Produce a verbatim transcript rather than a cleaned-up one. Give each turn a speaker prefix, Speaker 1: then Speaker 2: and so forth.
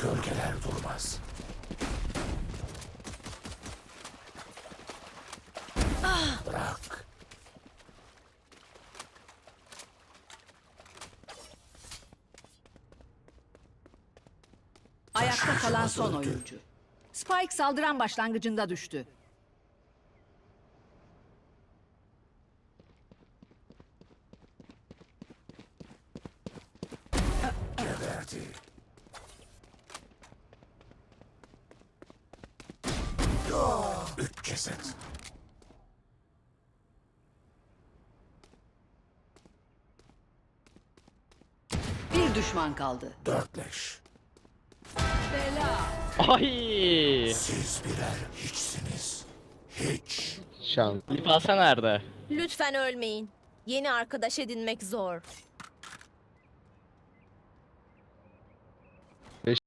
Speaker 1: Gölgeler durmaz. Bırak.
Speaker 2: Ayakta kalan
Speaker 1: Taşıyıcımız
Speaker 2: son
Speaker 1: öldü.
Speaker 2: oyuncu. Spike saldıran başlangıcında düştü.
Speaker 1: Geberdi. Üç ceset.
Speaker 2: Bir düşman kaldı.
Speaker 1: Dört leş.
Speaker 2: Bela.
Speaker 3: Ay!
Speaker 1: Siz birer hiçsiniz. Hiç.
Speaker 4: Şans.
Speaker 3: Lipasa nerede?
Speaker 5: Lütfen ölmeyin. Yeni arkadaş edinmek zor.